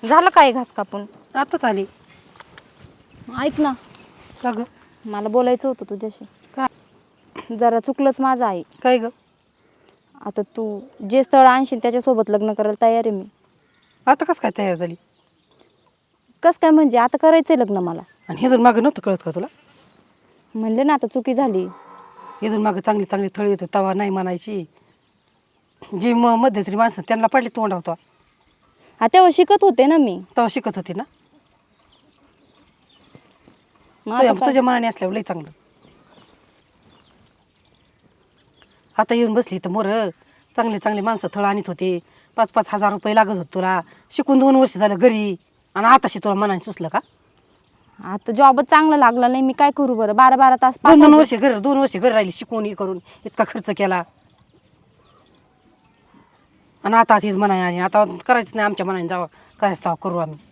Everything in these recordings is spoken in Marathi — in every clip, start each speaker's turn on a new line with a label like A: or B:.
A: झालं काय घास कापून?
B: आताच आली.
A: ऐक ना,
B: का ग?
A: मला बोलायचं होतं तुझ्याशी.
B: काय?
A: जरा चुकलंच माझं आहे.
B: काय ग?
A: आता तू जे स्थळ आणशील त्याच्यासोबत लग्न करायला तयार आहे मी.
B: आता कसं काय तयार झाली?
A: कसं काय म्हणजे? आता करायचंय लग्न मला.
B: आणि हे जर मागं नव्हतं कळत का तुला?
A: म्हणले ना आता चुकी झाली.
B: इथून मागं चांगली चांगली थळी येतो तवा नाही म्हणायची. जी मध्यंतरी माणसं त्यांना पडली तोंड होता
A: हा तेव्हा शिकत होते ना मी.
B: तेव्हा शिकत होती ना.
A: मग आता काय?
B: तुझ्या मनाने असल्यावर लई चांगलं. आता येऊन बसली तर मोर चांगले चांगले माणसं थळ आणत होते. 5-5 हजार रुपये लागत होते तुला. शिकून 2 वर्ष झालं घरी आणि आताशी तुला मनाने सुचलं का?
A: आता जॉबच चांगला लागला नाही, मी काय करू बरं? 12-12 तास
B: 2 वर्ष घरी 2 वर्ष घरी राहिली शिकून हे करून इतका खर्च केला. आणि आता हेच म्हणाय आणि आता करायचं नाही आमच्या मनाने जावं करायचं तेव्हा करू आम्ही.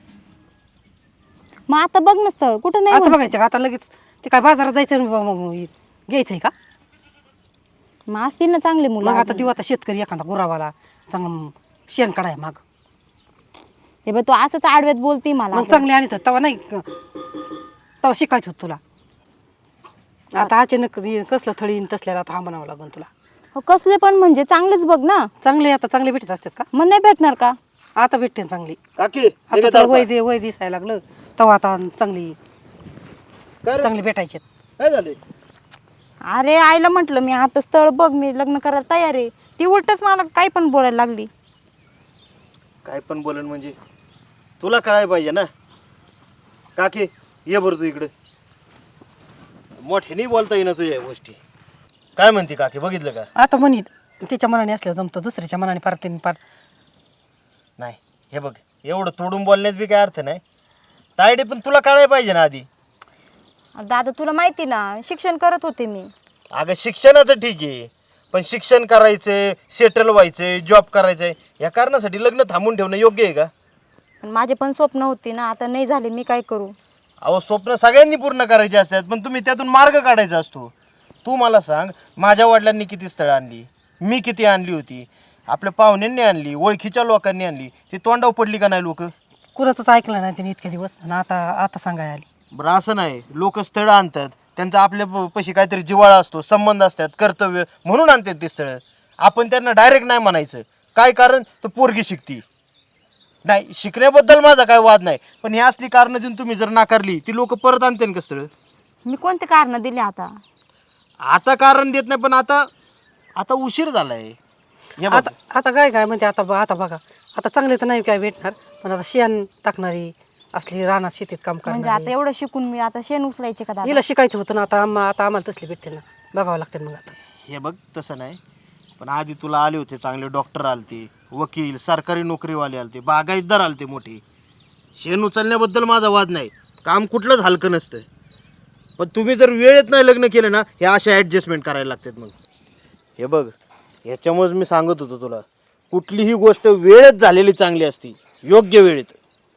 A: मग आता बघ ना स्थळ कुठं नाही
B: आता
A: म्हणत.
B: बघायचं का? आता लगेच ते काय बाजारात जायचं घ्यायचंय का?
A: मग असतील ना चांगले
B: मग
A: मुलं
B: आता
A: अजून.
B: देऊ आता शेतकरी एखादा गुरावाला चांगलं शेण काढाय माग.
A: हे बघ तू असंच आडव्यात बोलती मला.
B: मग चांगले आणत होत तेव्हा नाही तेव्हा शिकायचं होतं तुला. आता अचानक कसलं थळीन तसल्याला आता हा म्हणावं लागून तुला.
A: हो, कसले पण म्हणजे चांगलेच बघ ना.
B: चांगले आता चांगले भेटत असतात का?
A: मग नाही भेटणार का?
B: आता भेटते ना चांगली.
C: काकी
B: आता तर वय दिसायला लागलं तेव्हा आता चांगली
C: काय रे?
B: चांगली भेटायची.
C: काय झाले?
A: अरे आईला म्हटलं मी आता स्थळ बघ, मी लग्न करायला तयार आहे. ती उलटच मला काही पण बोलायला लागली.
C: काय पण बोलन म्हणजे तुला कळायला पाहिजे ना. काकी ये बरं तू इकडे. मोठ्याने बोलता येईना तुझ्या या गोष्टी. काय म्हणते काकी, बघितलं का?
B: आता म्हणी तिच्या मनाने असल्यावर जमतं, दुसऱ्याच्या मनाने पार त्यांनी पार.
C: नाही हे बघ, एवढं तोडून बोलण्यात बी काय अर्थ नाही. तायडे पण तुला कळायला पाहिजे ना आधी.
A: दादा तुला माहिती ना, शिक्षण करत होते मी.
C: अगं शिक्षणाचं ठीक आहे, पण शिक्षण करायचंय, सेटल व्हायचंय, जॉब करायचंय, या कारणासाठी लग्न थांबून ठेवणं योग्य आहे का?
A: पण माझे पण स्वप्न होती ना, आता नाही झाले, मी काय करू?
C: अहो स्वप्न सगळ्यांनी पूर्ण करायचे असतात, पण तुम्ही त्यातून मार्ग काढायचा असतो. तू मला सांग, माझ्या वडिलांनी किती स्थळं आणली, मी किती आणली होती, आपल्या पाहुण्यांनी आणली, ओळखीच्या लोकांनी आणली, ती तोंडावर पडली का नाही लोक?
B: कुणाचंच ऐकलं नाही तिने इतके दिवस आणि आता आता सांगाय आली.
C: बरं असं नाही, लोक स्थळं आणतात, त्यांचा आपल्या पशी काहीतरी जिव्हाळा असतो, संबंध असतात, कर्तव्य म्हणून आणतात ते स्थळं. आपण त्यांना डायरेक्ट नाही म्हणायचं. काय कारण? तर पोरगी शिकती नाही. शिकण्याबद्दल माझा काय वाद नाही, पण ही असली कारणं देऊन तुम्ही जर नाकारली, ती लोक परत आणते का स्थळं?
A: मी कोणते कारण दिले आता?
C: आता कारण देत नाही, पण आता आता उशीर झालाय. हे बघ,
B: आता आता काय काय म्हणते आता आता बघा आता चांगले तर नाही काय भेटणार, पण आता शेण टाकणारी असली रानात शेतीत काम
A: म्हणजे
B: करणारी.
A: आता एवढं शिकून मी आता शेण उचलायचे का दादा?
B: हिला शिकायचं होतं ना, आता आता आम्हाला तसली भेटते ना, बघावं लागते मग आता.
C: हे बघ तसं नाही, पण आधी तुला आले होते चांगले डॉक्टर आलते, वकील, सरकारी नोकरीवाले आलते, बागायतदार आलते मोठे. शेण उचलण्याबद्दल माझा वाद नाही, काम कुठलंच हलकं नसतं. पण तुम्ही जर वेळेत नाही लग्न केलं ना, हे अशा ॲडजस्टमेंट करायला लागतात. मग हे बघ, ह्याच्यामुळेच मी सांगत होतो तुला, कुठलीही गोष्ट वेळेत झालेली चांगली असती, योग्य वेळेत.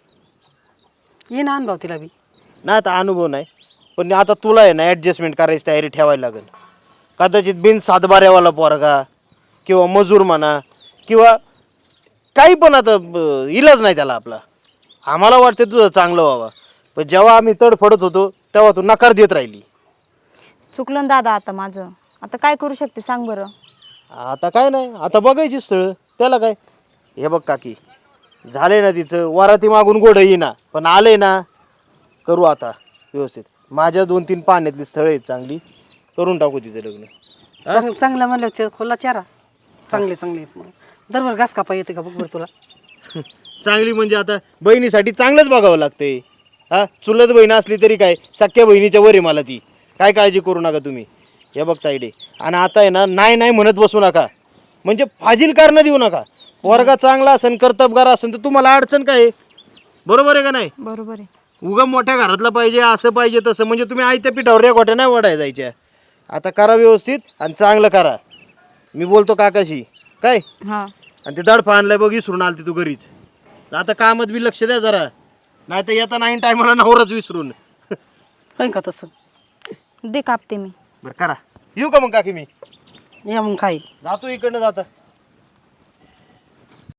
B: ये ना अनुभव तिला बी.
C: नाही आता अनुभव नाही, पण आता तुला आहे ना ॲडजस्टमेंट करायची तयारी ठेवायला लागेल. कदाचित बिन सातबाऱ्यावाला पोरगा किंवा मजूर म्हणा किंवा काही पण, आता इलाज नाही त्याला आपला. आम्हाला वाटतं तुझं चांगलं व्हावं, पण जेव्हा आम्ही तडफडत होतो तेव्हा तू नकार देत राहिली.
A: चुकलं ना दादा आता माझं. आता काय करू शकते सांग बरं?
C: आता काय नाही, आता बघायची स्थळं, त्याला काय. हे बघ काकी, झाले ना तिचं वराती मागून गोड येईना, पण आले ना, करू आता व्यवस्थित. माझ्या 2-3 पाण्यातली स्थळं आहेत चांगली, करून टाकू तिचं लग्न.
B: चांगलं म्हणलं ते खोला चारा चांगले चांगले आहेत. मग दरबार घास कापा येते का बघ बरं तुला?
C: चांगली म्हणजे आता बहिणीसाठी चांगलंच बघावं लागतंय. हा, चुलत बहीण असली तरी काय, सख्या बहिणीच्या वर आहे मला ती. काय काळजी करू नका तुम्ही. हे बघ तायडे, आणि आता आहे ना, नाही नाही म्हणत बसू नका, म्हणजे फाजील कारणं देऊ नका. वर्गा चांगला असेल, कर्तबगार असेल, तर तुम्हाला अडचण काय आहे? बरोबर आहे का नाही?
A: बरोबर आहे.
C: उगा मोठ्या घरातला पाहिजे, असं पाहिजे तसं, म्हणजे तुम्ही आयत्या पिठावर या गोट्या नाही वडाय जायच्या. आता करा व्यवस्थित आणि चांगलं करा. मी बोलतो काकाशी काय.
A: हां
C: आणि ते दडफा आणलाय बघ, विसरून आलती तू घरीच. आता कामात बी लक्ष द्या जरा, नाही तर येता नाही टायमाला नवराच विसरून.
B: होईन का तसं?
A: दे कापते मी.
C: बरं करा. येऊ का मग काकी मी?
B: या मग काय
C: जातो इकडनं जाता.